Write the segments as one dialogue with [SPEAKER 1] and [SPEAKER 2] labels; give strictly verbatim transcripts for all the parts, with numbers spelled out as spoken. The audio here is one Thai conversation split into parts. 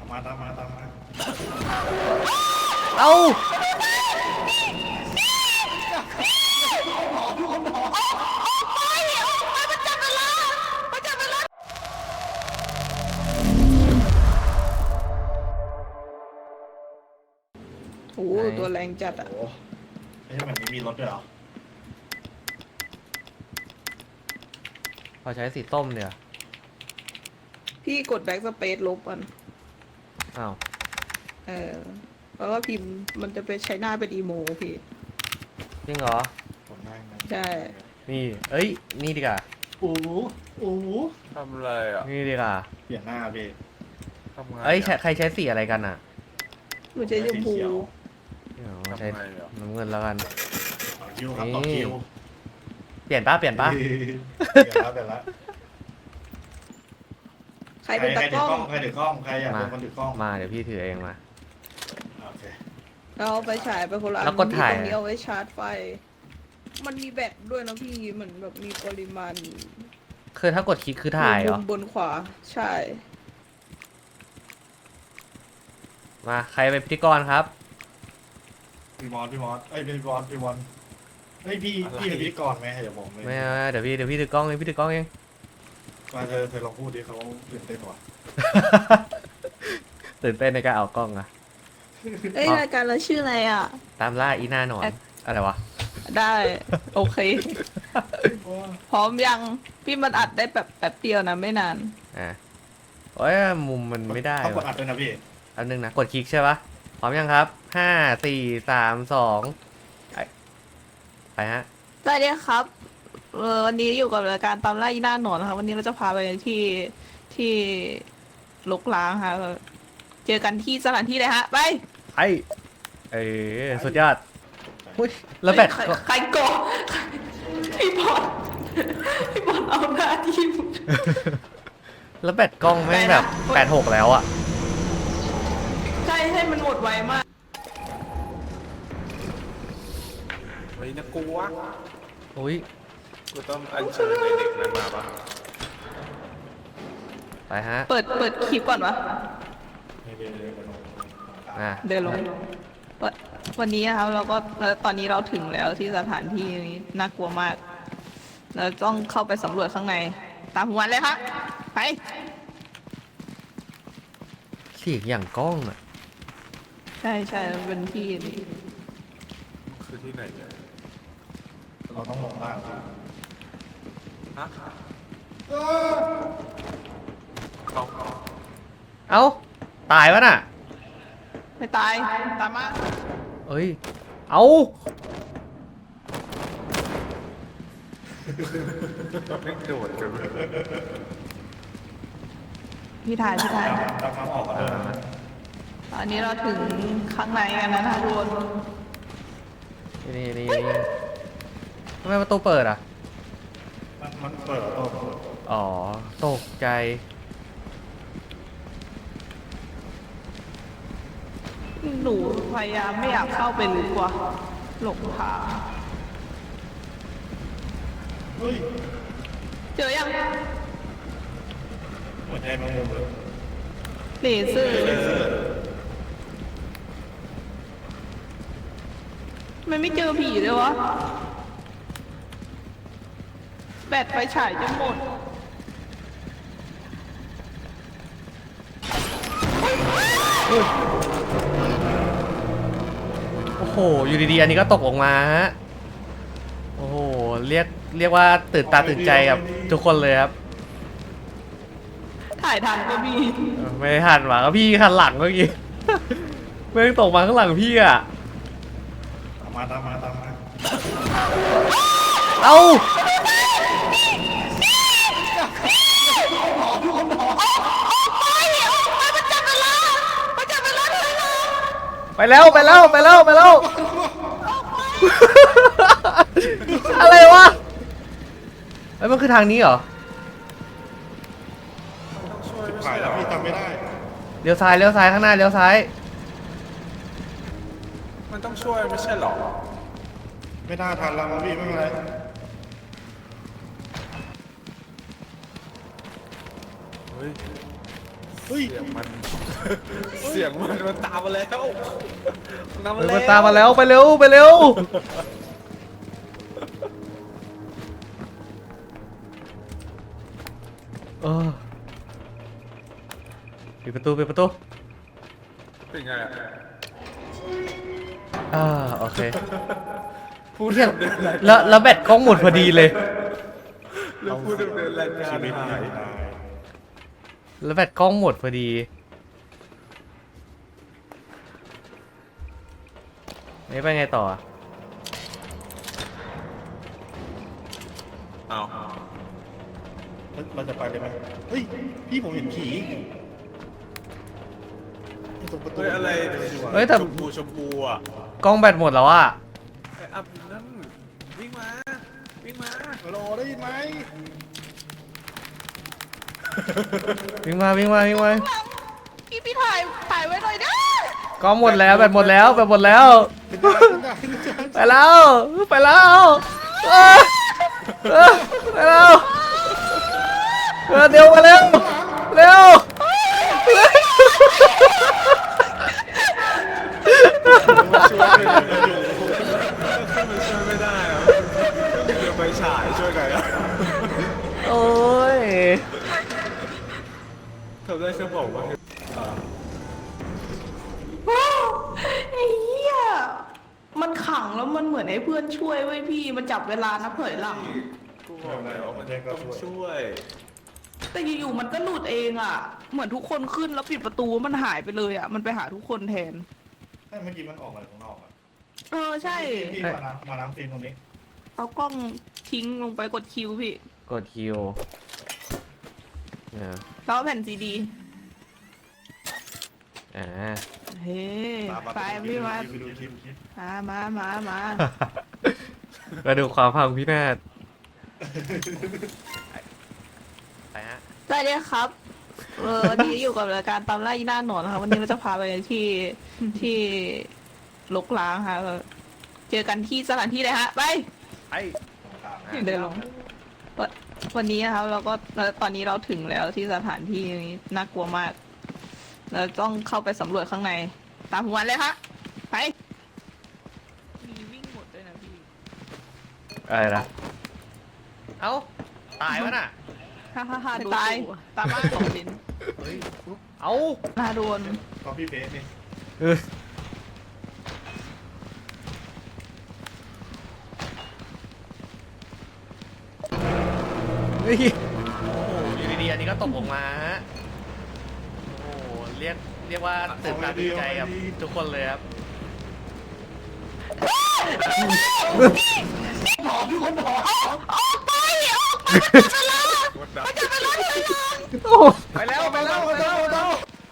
[SPEAKER 1] มาตามมาตามมา
[SPEAKER 2] เอา
[SPEAKER 3] โอ้โหตัวแรงจัดอ่ะ
[SPEAKER 1] โอ้ไม่ใช่เหมือนนี้มีรถด้วยเหรอ
[SPEAKER 2] พอใช้สีส้มเนี่ย
[SPEAKER 3] พี่กดแบ็กสเปซลบมัน
[SPEAKER 2] อ้าว
[SPEAKER 3] เออเพราะว่าพิมพ์มันจะไปใช้หน้าเป็นอีโมพี่
[SPEAKER 2] จริงเหรอ
[SPEAKER 1] ผมนั่งนะ
[SPEAKER 3] ใช่
[SPEAKER 2] นี่เอ้ยนี่ดีกว่า
[SPEAKER 1] โอ้โหโอ้โห
[SPEAKER 4] ทำอะไรอ่ะ
[SPEAKER 2] นี่ดีกว่า
[SPEAKER 1] เปลี่ยนหน้าพี่
[SPEAKER 4] ทำไง
[SPEAKER 2] เอ้ยใช้ใครใช้สีอะไรกันอ่ะ
[SPEAKER 3] หนูใช้ชมพู
[SPEAKER 2] เดี๋ยว
[SPEAKER 4] ทำ
[SPEAKER 2] ใช้
[SPEAKER 4] ไงอ่ะ
[SPEAKER 2] น้ำเงินแล้วกัน
[SPEAKER 1] ต่อคิวครับต่อคิว
[SPEAKER 2] เปลี่ยนป้าเปลี่ยนป้า
[SPEAKER 1] เปลี่ยนแล้วเปลี่ยนแล้ว
[SPEAKER 3] ใครเป็นตากล้อง
[SPEAKER 1] ใครถือกล้องใครอยากเป็นคนถือกล้อง
[SPEAKER 2] มาเดี๋ยวพี่ถือเองมา
[SPEAKER 1] โอเค
[SPEAKER 3] เราเอาไปฉายไปคนละอัน
[SPEAKER 2] แล้วกดถ่าย
[SPEAKER 3] ตรงนี้เอาไว้ชาร์จไฟ มันมีแบตด้วยนะพี่เหมือนแบบมีปริมาณ
[SPEAKER 2] คือถ้ากดคลิกคือถ่ายเหรอ
[SPEAKER 3] มุมบนขวาใช่
[SPEAKER 2] มาใครเป็นพิธีกรครับ
[SPEAKER 1] พี่มอสพี่มอสเอ้ยพี่มอสพี่มอสเฮ้ยพี่พี่เป็นพิธีกรไหมเดี๋ยวผมเลย
[SPEAKER 2] ไม่เอาเดี๋ยวพี่เดี๋ยวพี่ถือกล้องเองพี่ถือกล้องเอง
[SPEAKER 1] มาเธอเธอลองพูดดิเขาตื่นเต้นว่ะ
[SPEAKER 2] ตื่นเต้นในการเอากล้องอะ
[SPEAKER 3] เอ้ย
[SPEAKER 2] อ๋อ
[SPEAKER 3] รายการเราชื่ออะไรอ่ะ
[SPEAKER 2] ตามล่าอีหน้าหนอน
[SPEAKER 3] แอค
[SPEAKER 2] อะไรวะ
[SPEAKER 3] ได้ โอเค พร้อมยังพี่มันอัดได้แบบแป๊บเดียวนะไม่นาน
[SPEAKER 2] อ่ะโอ้ยมุมมันไม่ได้
[SPEAKER 1] ต้องกด
[SPEAKER 2] วะ
[SPEAKER 1] อัดด้วยนะพี่
[SPEAKER 2] อันนึงนะกดคลิกใช่ปะพร้อมยังครับห้าสี่สามสองไปฮะ
[SPEAKER 3] สวัสดีครับเออวันนี้อยู่กับรายการตามล่าอีหน้าหนอนนะคะวันนี้เราจะพาไปที่ที่ลกล้างค่ะเจอกันที่สถานที่เลยฮะ ไป
[SPEAKER 2] ไอเอ้ยสุดยอดอุ้ยแล้วแบต
[SPEAKER 3] ใครใครโกงพี่บอลพี่บอลเอาหน้าที่
[SPEAKER 2] แล้วแบตกล้องแม่งแบบแปดหกแล้วอ่ะ
[SPEAKER 3] ใช่ให้มันหมดไวมาก
[SPEAKER 4] เฮ้ยนะกูวะ
[SPEAKER 2] อุ้ย
[SPEAKER 4] กูต้องอัญเชิญในเด็กนั้นมาปะ
[SPEAKER 2] ไปฮะ
[SPEAKER 3] เปิดเปิดคลิปก่อนวะ
[SPEAKER 2] อ่ะ
[SPEAKER 3] เดินลงวันวันนี้นะครับเราก็แล้วตอนนี้เราถึงแล้วที่สถานที่นี้น่ากลัวมาก เราต้องเข้าไปสำรวจข้างใน ตามหัวเลยครับไป
[SPEAKER 2] เสียงอย่างกล้องอ่ะ
[SPEAKER 3] ใช่ใช่มันเป็นที่นี่
[SPEAKER 4] คือที่ไหนเนี่ย
[SPEAKER 1] เราต้องลงล่าง
[SPEAKER 4] ฮะเขา
[SPEAKER 2] เอ้าตายวะน่ะ
[SPEAKER 3] ไม่ตายตามมา
[SPEAKER 2] เอ้ยเอ้า
[SPEAKER 4] ไม่โดดกันเลย
[SPEAKER 3] พี่ถ่ายพี่ถ่าย
[SPEAKER 1] ตามมาออกกันเลย
[SPEAKER 3] ตอนนี้เราถึงข้างในกันแล้วนะทุกคน
[SPEAKER 2] นี่นี่นี่ทำไมประตูเปิดอ่ะ
[SPEAKER 1] มันมันเปิดตัว
[SPEAKER 2] อ๋อตกใจ
[SPEAKER 3] หนูพยายามไม่อยากเข้าไปลึกกว่าหลงทาง
[SPEAKER 1] เฮ้ย
[SPEAKER 3] เจอยัง
[SPEAKER 1] หัวใจมันมุมเลย
[SPEAKER 3] เลเซอร์มันไม่เจอผีเลยวะ แบตไฟฉายจะหมด
[SPEAKER 2] โอ้โหอยู่ดีๆอันนี้ก็ตกลงมาฮะโอ้โหเรียกเรียกว่าตื่นตาตื่นใจกับทุกคนเลยครับ
[SPEAKER 3] ถ่ายทันก็มี
[SPEAKER 2] เออไม่ได้หันหวังก็พี่หันหลังเมื่อกี้ แม่งตกมาข้างหลังพี่อ่ะ
[SPEAKER 1] ตามมาตามมาตามมา
[SPEAKER 2] เอ้าไปแล้วไปแล้วไปแล้วไปแล้ว อะไรวะไอ้ยมันคือทางนี้เหรอ
[SPEAKER 4] ช่วยไม่
[SPEAKER 1] ถ่า
[SPEAKER 4] ใช่
[SPEAKER 1] ย
[SPEAKER 4] เหร
[SPEAKER 1] แล้ว
[SPEAKER 4] อ
[SPEAKER 1] พี่จำไม่ได้
[SPEAKER 2] เลี้ยวซ้ายเลี้ยวซ้ายข้างหน้าเลี้ยวซ้าย
[SPEAKER 4] มันต้องช่วยไม่ใช่เหรอ
[SPEAKER 1] ไม่น่าทันแล้วมั้งพี่ไม่เป็นไร
[SPEAKER 4] เฮ้ย
[SPEAKER 1] เฮ้ย
[SPEAKER 4] เสียงมัน เสียงมันมันตามมาแล้วนำมา
[SPEAKER 2] เฮ้ย
[SPEAKER 4] แล้ว
[SPEAKER 2] มันตามมาแล้วไปเร็วไปเร็วเออปิดประตูปิดประตู
[SPEAKER 4] เป็นไงอะ
[SPEAKER 2] อ่าโอเค
[SPEAKER 4] พูด
[SPEAKER 2] เหี้ย
[SPEAKER 4] ดำเนินราย
[SPEAKER 2] แล้วแล้วแบตกล้องหมดพอดีเลย
[SPEAKER 4] แล้วพูดดำเนินรายการ
[SPEAKER 1] ชีวิต
[SPEAKER 4] หา
[SPEAKER 1] หาย
[SPEAKER 4] ย
[SPEAKER 1] ตาย
[SPEAKER 2] แล้วแบตกล้องหมดพอดีนี่ไปไงต่ออะ
[SPEAKER 4] เอา
[SPEAKER 1] เราจะไปเลยไหมเฮ้ยพี่ผมเห็นผีตรงประตู
[SPEAKER 4] เฮ้ยอะไร
[SPEAKER 2] เฮ้ยแต่
[SPEAKER 4] ชมพูชมพูอ่ะ
[SPEAKER 2] กล้องแบตหมดแล้วอะ
[SPEAKER 4] ไอ้อับนั่นวิ่งมาวิ่งมา
[SPEAKER 1] ฮัลโหลได้ยินไหม
[SPEAKER 2] วิ่งมาวิ่งมาวิ่งมา
[SPEAKER 3] พี่พี่ถ่ายถ่ายไว้หน่อยนะ
[SPEAKER 2] กล้องหมดแล้วแบตหมดแล้วแบตหมดแล้ว
[SPEAKER 1] เป็นได้เป็นได้เป็นได้
[SPEAKER 2] ไปแล้วไปแล้วเออเออไปแล้วเออเดี๋ยวมาเร็วเร็ว
[SPEAKER 4] มาช่วยเลยขึ้นมาช่วยไม่ได้อะเดี๋ยวไปฉายช่วยกันอะ
[SPEAKER 2] โอ้ย
[SPEAKER 4] ทำได้แค่บอกว่า
[SPEAKER 3] ไอ้เหี้ยมันขังแล้วมันเหมือนไอ้เพื่อนช่วยไว้ยพี่มันจับเวลานับถอยหลัง
[SPEAKER 4] กูบอกแล้วมันต้องช่วย
[SPEAKER 3] แต่อยู่ๆมันก็หลุดเองอ่ะ เหมือนทุกคนขึ้นแล้วปิดประตูมันหายไปเลยอ่ะ มันไปหาทุกคนแทน
[SPEAKER 1] ใช่เมื่อกี้มันออกมาข้างนอกอะ
[SPEAKER 3] เออใช่
[SPEAKER 1] พี่มาน้ำมาน้ำฟิล์มตรงนี้
[SPEAKER 3] เอากล้องทิ้งลงไปกดคิวพี่
[SPEAKER 2] กดคิวเนี่ย
[SPEAKER 3] แล้วเอาแผ่นซีดี
[SPEAKER 2] อ่า
[SPEAKER 3] เฮ้
[SPEAKER 1] มามา
[SPEAKER 3] ไปพี่มา
[SPEAKER 1] ไปดูคลิปคลิป
[SPEAKER 3] มามามามา
[SPEAKER 2] มาดูความพังพินาศไปฮะ
[SPEAKER 3] สวัสดีครับ เออวันนี้อยู่กับรายการตามล่าอีหน้าหนอนนะคะวันนี้เราจะพาไปที่ที่ลกล้างค่ะเออเจอกันที่สถานที่เลยฮะ ไป
[SPEAKER 2] ไป
[SPEAKER 3] เดินลงวันวันนี้นะครับเราก็ตอนนี้เราถึงแล้วที่สถานที่นี้น่ากลัวมาก เราต้องเข้าไปสำรวจข้างใน ตามผมมาเลยฮะไป มีวิ่งหมดด้วยนะพี่
[SPEAKER 2] อะไรนะเอ้าตายวะน่ะ
[SPEAKER 3] ฮ่าฮ่าฮ่าตายตามบ้านของดิน
[SPEAKER 2] เฮ้ยเอ้า
[SPEAKER 3] นาโดน
[SPEAKER 1] ก็พี่เบสนี่
[SPEAKER 2] เออเฮ้ยโอ้โหอยู่ดีๆอันนี้ก็ตกลงมาฮะโอ้โหเรียกเรียกว่าตื่นตาตื่นใจกับทุกคนเลยครับ
[SPEAKER 1] บอกทุกคนบอก
[SPEAKER 3] ออกไปออกไป
[SPEAKER 4] วัดดับ
[SPEAKER 2] โอ้ไปแล้วไปแล้วไปแล้วไปแล้ว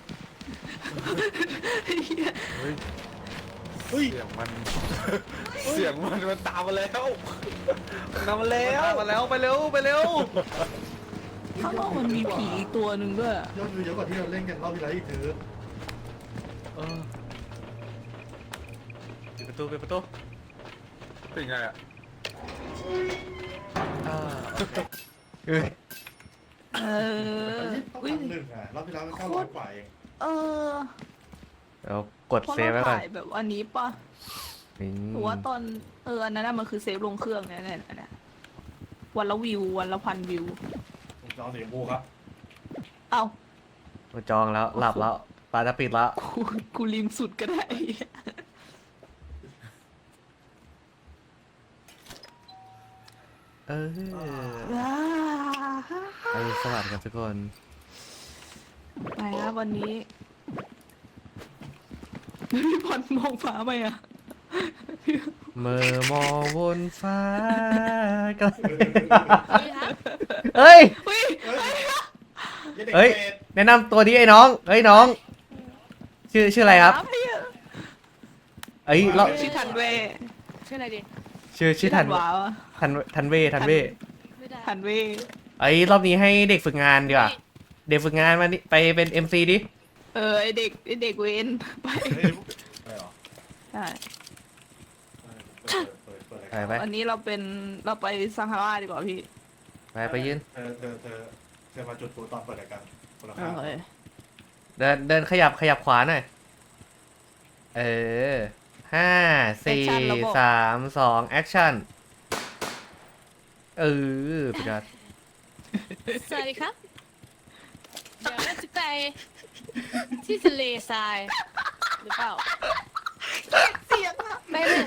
[SPEAKER 1] เฮ้ย
[SPEAKER 4] เสียงมัน เสียงมันมันตามมาแล้วนำมาแล้ว
[SPEAKER 2] มาแล้วไปเร็วไปเร็ว
[SPEAKER 3] ข้างนอกมันมีผีอีกตัวหนึ่งด้วย
[SPEAKER 1] ยอดวิวเยอะกว่าที่เราเล่นกันรอบที่แล้วอีกเถอะ
[SPEAKER 2] เออปิดประตูปิดประตู
[SPEAKER 4] เป็นไงอะ
[SPEAKER 2] อ่าโอเคเอ้ย
[SPEAKER 3] เออ
[SPEAKER 1] ต้อง
[SPEAKER 3] อุ้ย
[SPEAKER 1] ทำหนึ่งอ่ะรอบที่แล้วก็เก้าร้อยกว่าเอง
[SPEAKER 3] เออ
[SPEAKER 2] เรากด
[SPEAKER 3] เพราะ
[SPEAKER 2] เซฟ
[SPEAKER 3] เรา
[SPEAKER 2] ไว้ก่อน
[SPEAKER 3] ถ่ายแบบอันนี้ป่ะ
[SPEAKER 2] นี่
[SPEAKER 3] หรือว่าตอนเอออันนั้นน่ะมันคือเซฟลงเครื่องเนี่ยเนี่ยเนี่ยวันละวิววันละพันวิว
[SPEAKER 1] ผมจะเอาสีชมพูครับ
[SPEAKER 3] เอ้า
[SPEAKER 2] เราจองแล้วหลับแล้วปลาจะปิดแล้ว
[SPEAKER 3] กูกูริมสุดก็ได้
[SPEAKER 2] เออ
[SPEAKER 3] ว้า
[SPEAKER 2] ไปสวัสดีครับทุกคน
[SPEAKER 3] ไปครับวันนี้พี่พรมองฟ้าไหมอะ
[SPEAKER 2] เมื่อมองบนฟ้าก็เฮ้ย
[SPEAKER 3] เฮ้ย
[SPEAKER 2] เฮ้ย แนะนำตัวดิไอ้น้อง เฮ้ยน้อง ชื่อชื่ออะไรครับ เอ้ยเรา
[SPEAKER 3] ชื่อทันเว
[SPEAKER 5] ชื่ออะไรดี
[SPEAKER 2] ชื่อชื่อทัน
[SPEAKER 3] วาวอะ
[SPEAKER 2] ทันทันเวทันเว
[SPEAKER 5] ไม่ได้
[SPEAKER 3] ทันเว
[SPEAKER 2] ไอ้ยรอบนี้ให้เด็กฝึกงานดีกว่า เด็กฝึกงานมานี่ไปเป็น เอ็ม ซี ดิ
[SPEAKER 3] เออไอเด็กไอเด็กเวนไป
[SPEAKER 1] เฮ้ยอะไรหรอ
[SPEAKER 3] ใช่
[SPEAKER 1] เปิดเปิดเปิด
[SPEAKER 2] ไปไป
[SPEAKER 3] วันนี้เราเป็นเราไปซังฮาราดีกว่าพี่
[SPEAKER 2] ไปไปยืน
[SPEAKER 1] เธอเธอเธอเธอมาจุดฟูตอนเปิดรายการคนละ
[SPEAKER 3] โอ
[SPEAKER 1] ห้า
[SPEAKER 3] เค
[SPEAKER 2] เดินเดินขยับขยับขวาหน่อย เออห้าสี่สามสองแอคชั่น เออพี่กัด
[SPEAKER 5] สวัสดีครับ เดี๋ยวเราจะไปที่ทะเลทรายหรือเปล่า
[SPEAKER 3] เสียงอะ
[SPEAKER 5] ไม่ไม่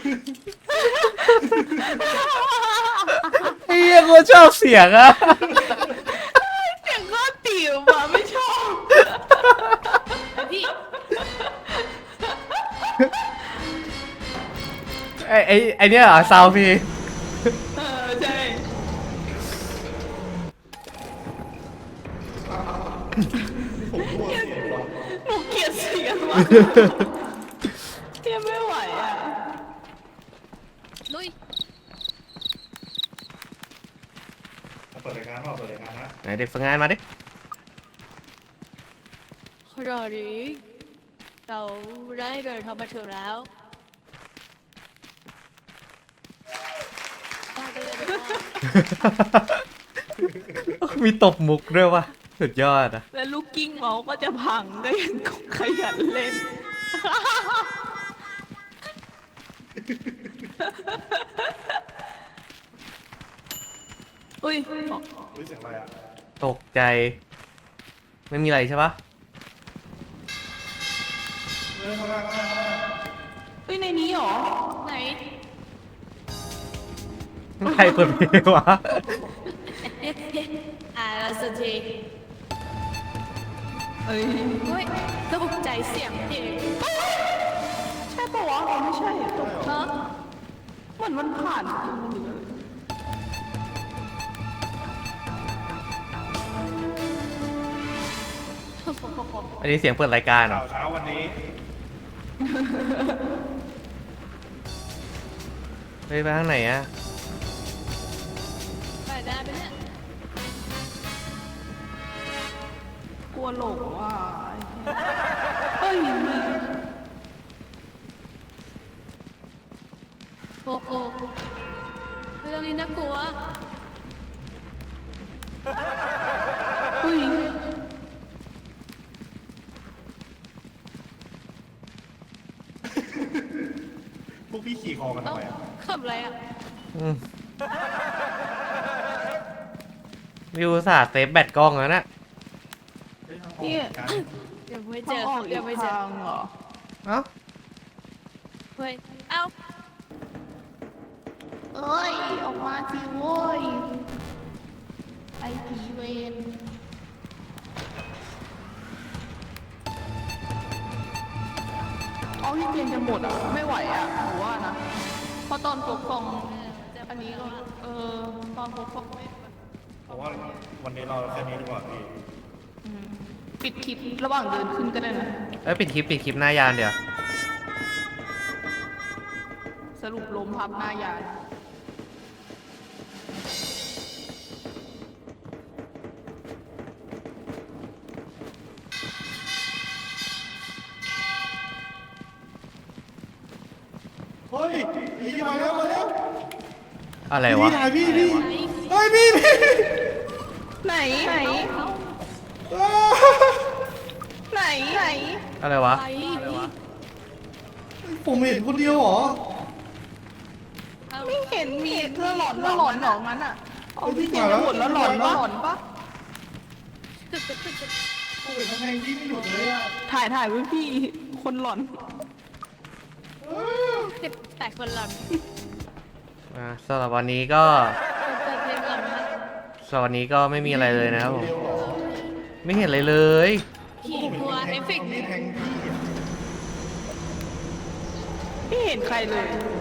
[SPEAKER 2] เฮียกูชอบเสียงอะ
[SPEAKER 3] เสียงก็ติ๋วอะไม่ชอบ
[SPEAKER 5] พี่
[SPEAKER 2] ไอไอไอเนี้ยเหรอซาวพี่
[SPEAKER 3] เออใช่หนูเกลียดเสียงว่ะเทียไม่ไหวอ่ะ
[SPEAKER 5] ลุย
[SPEAKER 1] เปิดรายการเปล่าเปิดรายการนะ
[SPEAKER 2] ไหนเด็กฝึกงานมาดิ
[SPEAKER 5] รอดีเราได้เดินทางมาถึงแล้วมากันเลยดีกว่า
[SPEAKER 2] มีตบมุกด้วยวะสุดยอดอะ
[SPEAKER 3] แล้วลูกกิ้งเมาส์ก็จะพังก็ยังขยันเล่น อุ้ย
[SPEAKER 1] รู้เสียงอะไรอ่ะ
[SPEAKER 2] ตกใจ ไม่มีอะไรใช่ปะ
[SPEAKER 1] เฮ้ยข้างล่างข้างล่างข้างล่าง
[SPEAKER 3] เฮ้ยในนี้เหรอ
[SPEAKER 5] ไหน
[SPEAKER 2] ใครเปิดเพลงวะ
[SPEAKER 5] อ่าสักที
[SPEAKER 3] เอ้ย
[SPEAKER 5] เฮ้ยตกใจเสียงเพลง
[SPEAKER 3] ใช่ปะวะอ๋อไม่ใช่อะตก
[SPEAKER 5] ฮะ
[SPEAKER 3] เหมือนมันผ่าน
[SPEAKER 2] อันนี้เสียงเปิดรายการเหรอ
[SPEAKER 1] ข่าวเช้าวันนี้
[SPEAKER 2] เฮ้ยไปทางไหนอะ
[SPEAKER 5] ไปได้ไหมเนี่ย
[SPEAKER 3] กลัวหลงว่ะเฮ้ย
[SPEAKER 5] โอ้โหเรื่องนี้น่ากลัว
[SPEAKER 3] เฮ้ย
[SPEAKER 1] พวกพี่ขี่คอกันทำ
[SPEAKER 5] เอ้า
[SPEAKER 1] ไมอ่ะ
[SPEAKER 5] ขับอะไรอ่ะ
[SPEAKER 2] อืมวิวสาดเซฟแบตกล้องแล้วนะ
[SPEAKER 3] นี่
[SPEAKER 1] การ
[SPEAKER 5] เดี๋ยวไม่เจ
[SPEAKER 3] ทาง
[SPEAKER 5] อ
[SPEAKER 3] ออกอี
[SPEAKER 5] เดี๋ยว
[SPEAKER 3] ก
[SPEAKER 5] ไม่เจอ
[SPEAKER 3] ทางเหรอ
[SPEAKER 2] เอ้า
[SPEAKER 5] เฮ้ย เอ้า
[SPEAKER 3] เอ้ย ออกมาสิโว้ย ไอผีเวนออกซิเจนจะหมดอ่ะ ไม่ไหวอ่ะหนูว่านะ เพราะตอนปกครองอันนี้ก็ เออ ตอนปกครองไม่
[SPEAKER 1] เพราะว่าวันนี้เราแค่นี้ดีกว่าพี่
[SPEAKER 3] อืมปิดคลิประหว่างเดินขึ้นก็ได้นะ
[SPEAKER 2] เอ้ยปิดคลิปปิดคลิปหน้ายานเดี๋ยว
[SPEAKER 3] สรุปลมพับหน้ายาน
[SPEAKER 1] เฮ้ยพี่มาแล้วมาแล้ว
[SPEAKER 2] อะไรวะ
[SPEAKER 1] พี่ถ่ายพี่พี่เฮ้ยพี่พี่
[SPEAKER 3] ไหน ไหน
[SPEAKER 1] อ้า
[SPEAKER 3] ไหน ไหน
[SPEAKER 2] อะไรวะ
[SPEAKER 5] ไป
[SPEAKER 1] ผมเห็นคนเดียวเหรอ
[SPEAKER 5] เอ้า
[SPEAKER 3] ไม่เห็นมีเพื่อหลอนแล้วหลอนหนองนั้นอ่ะเอาที่เจนจะหมดแล้วหลอนปะหลอนปะ
[SPEAKER 1] ผมเห็นกำแพงพี่ไม่หยุดเลยอ่ะ
[SPEAKER 3] ถ่ายถ่ายไว้พี่ คนหลอน
[SPEAKER 5] เจ็บแต่คนหลัง
[SPEAKER 2] อ่าสำหรับวันนี้ก็
[SPEAKER 5] เปิดเพลงหลังนะ
[SPEAKER 2] สำหรับวันนี้ก็ไม่มีอะไรเลยนะครับผม
[SPEAKER 1] เดียวเหรอ
[SPEAKER 2] ไม่เห็นอะไรเลย
[SPEAKER 5] ขี่กลัวเอฟเฟกต์
[SPEAKER 1] มีแทงพี่อ่ะ
[SPEAKER 3] ไม่เห็นใครเลย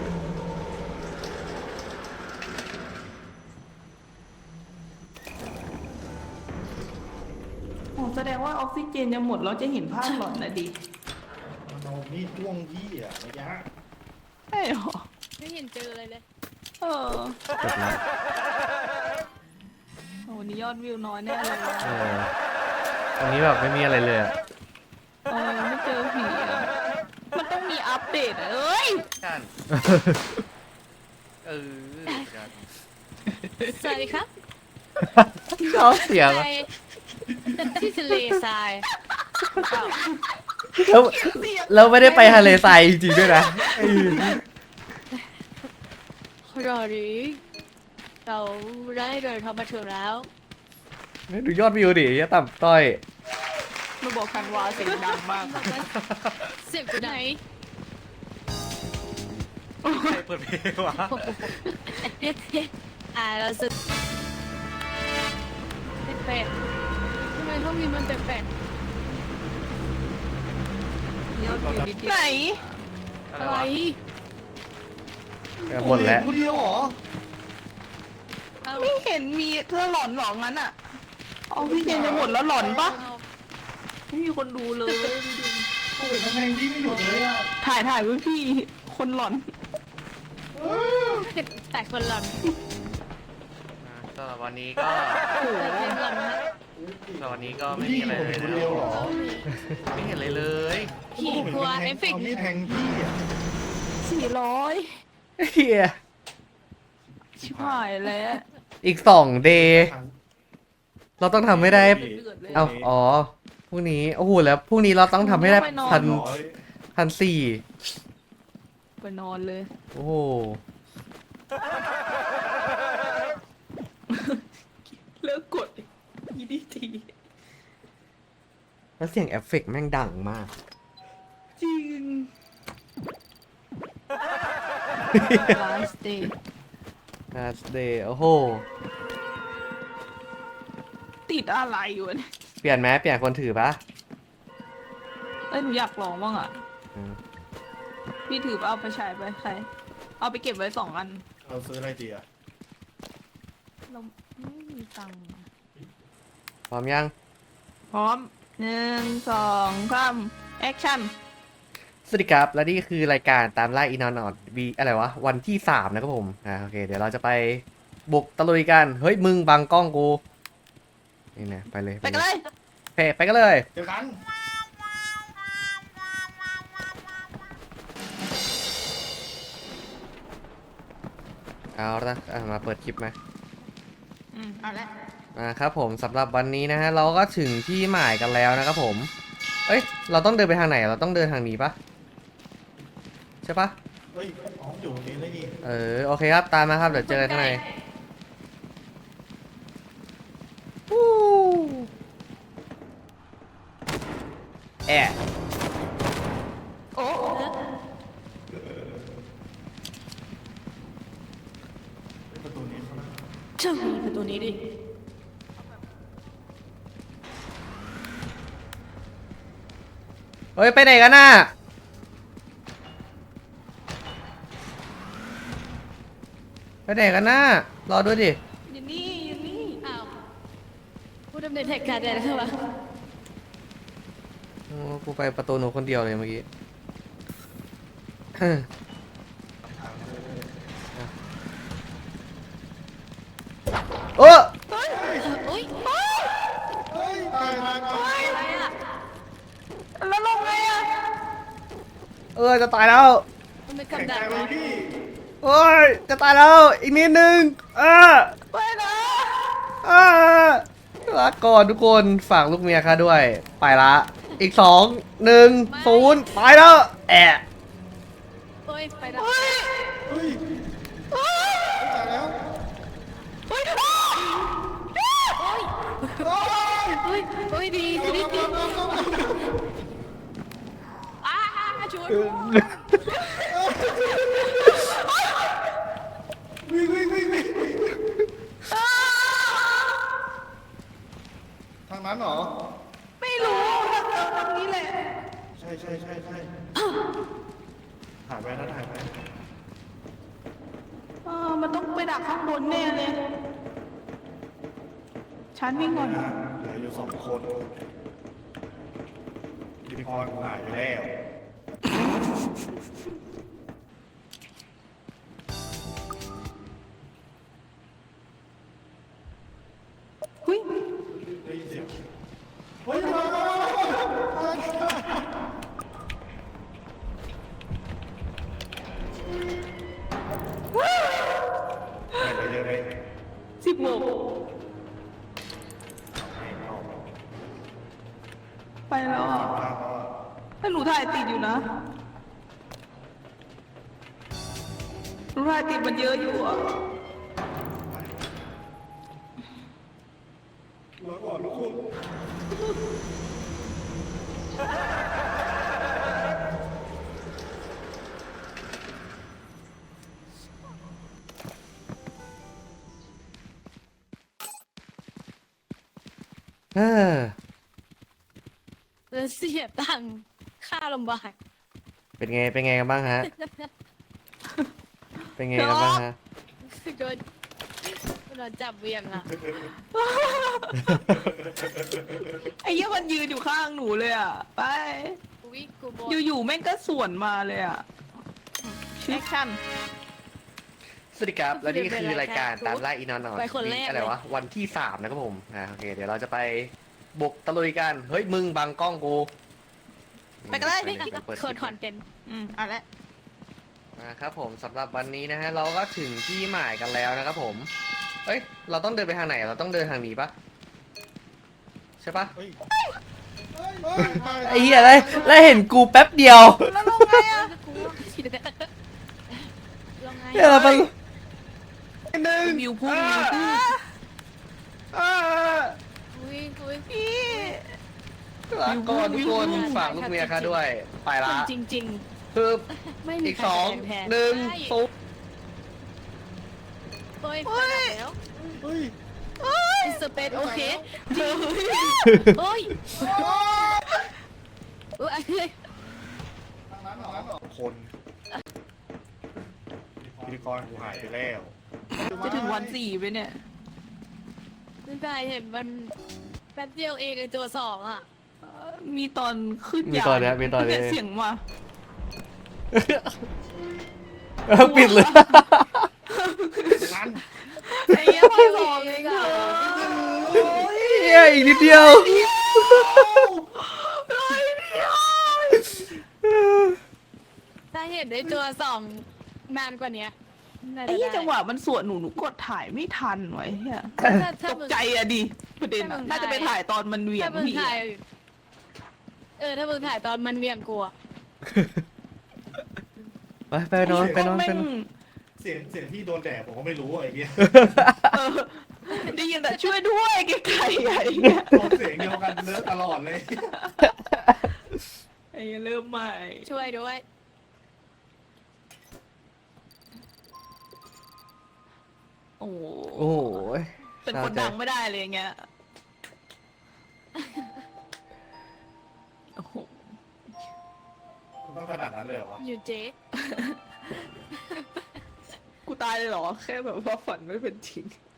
[SPEAKER 3] อ๋อแสดงว่าออกซิเจนจะหมดแล้วจะเห็นภาพหลอนนะดิ
[SPEAKER 1] มันเอามีดจ้วงพี่อ่ะระยะ
[SPEAKER 3] ใช่หรอ
[SPEAKER 5] ไม่เห็นเจออะไรเลย
[SPEAKER 3] เออ
[SPEAKER 2] จบแล้ว
[SPEAKER 3] โอ้นี่ยอดวิวน้อยแน่เลย
[SPEAKER 2] เออวันนี้แบบไม่มีอะไรเลยอะ
[SPEAKER 3] เออไม่เจอผีอ่ะ มันต้องมีอัปเดตอะเอ้ย
[SPEAKER 2] กันเออ
[SPEAKER 5] สวัสดีครับ
[SPEAKER 2] ชอบเสียง
[SPEAKER 5] ไป
[SPEAKER 2] อะ
[SPEAKER 5] ที่ทะเลทราย
[SPEAKER 2] แล้วเราไม่ได้ไปทะเลทรายจริงๆด้วยนะ
[SPEAKER 5] รอดีเราได้เดินทางมาถึงแล้ว
[SPEAKER 2] ดูยอดวิวดิยะต่ำต้อย
[SPEAKER 3] มาบอกคันวาเสียงดังมาก
[SPEAKER 5] เสียงอยู่ไหน
[SPEAKER 2] ใครเปิดเพลงวะ
[SPEAKER 5] อ่าเราสึกเป็ดๆทำไมห้องนี้มันเป็ด
[SPEAKER 3] ไหน
[SPEAKER 5] ๆอะไร
[SPEAKER 2] หมดแล้ว
[SPEAKER 1] คนเดียวเหรอ
[SPEAKER 5] เอา
[SPEAKER 3] ไม่เห็นมีเธอหลอนหรองั้นอ่ะออกซิเจนจะหมดแล้วหลอนปะไม่มีคนดูเลย
[SPEAKER 1] โอ้ยทำไมพี่ไม่หยุดเลยอ่ะ
[SPEAKER 3] ถ่ายถ่ายไว้พี่คนหลอน
[SPEAKER 5] แต่คนหลัง
[SPEAKER 2] สำหรับวันนี้ก็
[SPEAKER 5] เพลงหลังนะ
[SPEAKER 2] สำหรับวันนี้ก็ไม่
[SPEAKER 1] พี่
[SPEAKER 2] มีอะไร
[SPEAKER 1] ผม
[SPEAKER 2] เลย
[SPEAKER 1] คน
[SPEAKER 2] นะ
[SPEAKER 1] เดียวเหรอ
[SPEAKER 2] ไม่เห็นอะไรเลย
[SPEAKER 5] ผีกลัวเอฟเฟกต์
[SPEAKER 1] ามีดแทงพี่อ่ะ
[SPEAKER 3] สี่ร้อย
[SPEAKER 2] เฮีย
[SPEAKER 3] ชิบหายแล้ว
[SPEAKER 2] อีกสองเดย์เราต้องทำให้ได้ เอาอ๋อพรุ่งนี้ โอ้โห แล้วพรุ่งนี้เราต้องทำให้ได้พัน
[SPEAKER 1] ร้อย
[SPEAKER 2] พันสี่
[SPEAKER 3] ไปนอนเลย
[SPEAKER 2] โอ้โห
[SPEAKER 3] เลิกกดยีดีที
[SPEAKER 2] แล้วเสียงเอฟเฟกต์แม่งดังมาก
[SPEAKER 3] จริง last day
[SPEAKER 2] last day โอ้โห
[SPEAKER 3] ติดอะไรอยู่เนี่ย
[SPEAKER 2] เปลี่ยนไหมเปลี่ยนคนถือปะ
[SPEAKER 3] เอ้ยหนูอยากลองบ้างอ่ะ
[SPEAKER 2] อืม
[SPEAKER 3] พี่ถือเอาไปใช้ไปใคร เอาไปเก็บไว้สองอัน
[SPEAKER 1] เราซื้ออะไรดีอ่ะ
[SPEAKER 3] เราไม่มีตังค์
[SPEAKER 2] พร้อมยัง
[SPEAKER 3] พร้อมหนึ่งสองสามแอคชั่น
[SPEAKER 2] สวัสดีครับ และนี่คือรายการตามล่าอีนอนอดวีอะไรวะ วันที่สามนะครับผม อ่าโอเค เดี๋ยวเราจะไปบุกตะลุยกัน เฮ้ย มึงบังกล้องกู นี่นะไปเลย
[SPEAKER 3] ไปกันเลย
[SPEAKER 2] โอเค ไปกันเลย
[SPEAKER 1] เดี๋ยวกัน
[SPEAKER 2] เอาละอ่ะมาเปิดคลิปไหม
[SPEAKER 3] อืมเอาละ
[SPEAKER 2] อ่าครับผมสำหรับวันนี้นะฮะ เราก็ถึงที่หมายกันแล้วนะครับผม เอ้ย เราต้องเดินไปทางไหน เราต้องเดินทางนี้ปะใช่ปะ
[SPEAKER 1] เฮ้ยอ๋ออยู่ตรงนี้ได้นี่
[SPEAKER 2] เออ โอเคครับ ตามมาครับ เดี๋ยวเจอกันข้างในวู้แอะ
[SPEAKER 3] โอ้
[SPEAKER 1] ประตูนี้เขานะ
[SPEAKER 5] ช่างมีประตูนี้ดิ
[SPEAKER 2] เฮ้ย ไปไหนกันน่ะ ไปไหนกันน่ะ รอด้วยดิ
[SPEAKER 3] อยู่นี่อยู่นี่
[SPEAKER 5] อ้าวผู้ดำเนินเหตุการณ์อะไรนะครับวะ
[SPEAKER 2] โอ้กูไปประตูหนูคนเดียวเลยเมื่อกี้ โอ้
[SPEAKER 5] โอ๊ย
[SPEAKER 1] เฮ้ยตายตายตาย
[SPEAKER 5] อะไรอ่ะ
[SPEAKER 3] แล้วลงไงอ่ะ
[SPEAKER 2] เออจะตายแล้ว
[SPEAKER 5] มันเป็น
[SPEAKER 1] แข็ง
[SPEAKER 5] กับ
[SPEAKER 1] ใจ
[SPEAKER 5] ดัก
[SPEAKER 1] ไว้
[SPEAKER 5] วะ
[SPEAKER 1] พี่
[SPEAKER 2] โอ้ย จะตายแล้ว อีกนิดนึงเออ
[SPEAKER 3] ไปนะ
[SPEAKER 2] เออลาก่อนทุกคนฝากลูกเมียค่ะด้วย ไปละ อีกสองหนึ่งศูนย์ไปแล้ว แอะ
[SPEAKER 5] โอ๊ยไปแล้ว
[SPEAKER 3] เฮ้ย
[SPEAKER 1] เฮ้ยตายแล้ว
[SPEAKER 3] เฮ้ย
[SPEAKER 1] โอ้ย
[SPEAKER 5] โอ๊ยโอ๊ยดีดีดีดีอ้าช่วย
[SPEAKER 1] วิ่งวิ่งวิ่งวิ่งทางนั้นเหรอ
[SPEAKER 3] ไม่รู้ทางนี้แหละ
[SPEAKER 1] ใช่ใช่ใช่ใช่ถ่ายไปนะถ่ายไป
[SPEAKER 3] เออมันต้องไปดักข้างบนแน่เลยฉันวิ่งก่อน
[SPEAKER 1] นะเหลืออยู่สองคนพิธีกรหายไปแล้ว
[SPEAKER 3] หุ้ย
[SPEAKER 1] ได้ยินเสียงเฮ้ยมามามามาไปเลยเลย
[SPEAKER 3] สิบโมงไปแล้วอ่ะถ้าหนูถ่ายติดอยู่นะหนูถ่ายติดมันเยอะอยู่อ่ะ
[SPEAKER 1] รอก่อนทุกคน
[SPEAKER 2] เออ
[SPEAKER 5] แล้วเสียตังค่าลำบาก
[SPEAKER 2] เป็นไง เป็นไงกันบ้างฮะ เป็นไงกันบ้างฮะ
[SPEAKER 5] โดนโดนจับเวียงอะ
[SPEAKER 3] ไอ้เหี้ยมันยืนอยู่ข้างหนูเลยอ่ะ ไป
[SPEAKER 5] อุ้ยกูบอก
[SPEAKER 3] อยู่ๆแม่งก็สวนมาเลยอ่ะแอคชั่น
[SPEAKER 2] สวัสดีครับ และนี่คือรายการตามล่าอีนอนออน
[SPEAKER 5] ไปคนแรก
[SPEAKER 2] อะไร
[SPEAKER 5] เลยว
[SPEAKER 2] ะ วันที่สามนะครับผมอ่าโอเค เดี๋ยวเราจะไปบุกตะลุยกัน เฮ้ย มึงบังกล้องกู
[SPEAKER 3] ไปกันเลย
[SPEAKER 2] ไปเปิด
[SPEAKER 5] โคตรคอนเทนต์
[SPEAKER 3] อืมเอาละ
[SPEAKER 2] นะครับผมสำหรับวันนี้นะฮะ เราก็ถึงที่หมายกันแล้วนะครับผม เอ้ย เราต้องเดินไปทางไหน เราต้องเดินทางนี้ปะใช่ปะ
[SPEAKER 1] เฮ้ยเฮ้ยเฮ้ยไป
[SPEAKER 2] ไอ้เหี้ยอะไรแล้วเห็นกูแป๊บเดียว
[SPEAKER 3] แล้วลงไงอ่ะ
[SPEAKER 5] กูฉีดแต่ลงไง
[SPEAKER 2] เหี้ยอะไรมัน
[SPEAKER 1] หนึ่ง
[SPEAKER 3] วิวพุ่งวิวพุ่ง
[SPEAKER 1] อ่า
[SPEAKER 5] อุ้ยอุ้ย
[SPEAKER 3] พี่
[SPEAKER 2] ลาก่อนทุกคนฝากลูกเมียค่ะด้วย ไปละ
[SPEAKER 5] จริง
[SPEAKER 2] คือ
[SPEAKER 5] ๆ ไม่มี
[SPEAKER 2] อีก
[SPEAKER 5] ใคร
[SPEAKER 2] สอง
[SPEAKER 5] แทน
[SPEAKER 2] หนึ่ง
[SPEAKER 5] ใช่
[SPEAKER 2] ศูนย์
[SPEAKER 5] โอ้ยไปแล้ว
[SPEAKER 1] เฮ้ย
[SPEAKER 5] อิสเปนโอเคโอ้ยโอ้ย
[SPEAKER 1] คนพิธีกรกูหายไปแล้ว
[SPEAKER 3] จะถึงวันสี่ไปเนี่ย
[SPEAKER 5] ไม่ได้เห็นมันแป๊บเดียวเองไอตัวสองอ่ะ
[SPEAKER 3] เอ่อมีตอนขึ้น
[SPEAKER 2] มี
[SPEAKER 3] ยาน
[SPEAKER 2] ตอนเนี้ยมีตอนนี้
[SPEAKER 3] เยเสียงมา
[SPEAKER 2] เออปิดเลย
[SPEAKER 1] นั้น
[SPEAKER 3] ไอ้เหี้ยพี่บอกเองเถอะ
[SPEAKER 2] เหี้ยอีกนิดเดียว
[SPEAKER 5] ถ้าเห็นได้ตัวสองนานกว่านี้น่า
[SPEAKER 3] ไอ้
[SPEAKER 5] จะ
[SPEAKER 3] เหี้ย
[SPEAKER 5] ได้
[SPEAKER 3] จังหวะมันสวนหนูหนูกดถ่ายไม่ทันไว้เหี้ย
[SPEAKER 5] ถ้าถ้า
[SPEAKER 3] ตก
[SPEAKER 5] มึง
[SPEAKER 3] ใจอะดิประเด็นอะ
[SPEAKER 5] ถ้ามึง
[SPEAKER 3] น่าจะไปถ่ายตอนมันเหวี่ย
[SPEAKER 5] ถ้าง มึง
[SPEAKER 3] พี่
[SPEAKER 5] ถ่าย
[SPEAKER 3] อะ
[SPEAKER 5] เออถ้ามึงถ่ายตอนมันเวียงกลัว
[SPEAKER 2] ไปไปนอนไปนอนไป
[SPEAKER 3] แม่ง
[SPEAKER 2] นอน
[SPEAKER 1] เสียงเสียงที่โดนแดดผมก็ไม่รู้ไอ้เงี้ย
[SPEAKER 3] เออได้ยินแต่ช่วยด้วยไกลๆไอ้เหี้ย
[SPEAKER 1] โดนเสียงเดียวกันเนื้อตลอดเลย
[SPEAKER 3] ไอ้เหี้ยเริ่มใหม่
[SPEAKER 5] ช่วยด้วย
[SPEAKER 3] โอ้โห
[SPEAKER 2] โอ้โห
[SPEAKER 3] เป็นคนดังไม่ได้เลยอย่างเงี้ยโอ้โห
[SPEAKER 1] ต้องขนาดนั้นเลยเหรอวะ
[SPEAKER 5] อยู่เจ๊
[SPEAKER 3] กูตายเลยเหรอ แค่แบบว่าฝันไม่เป็นจริง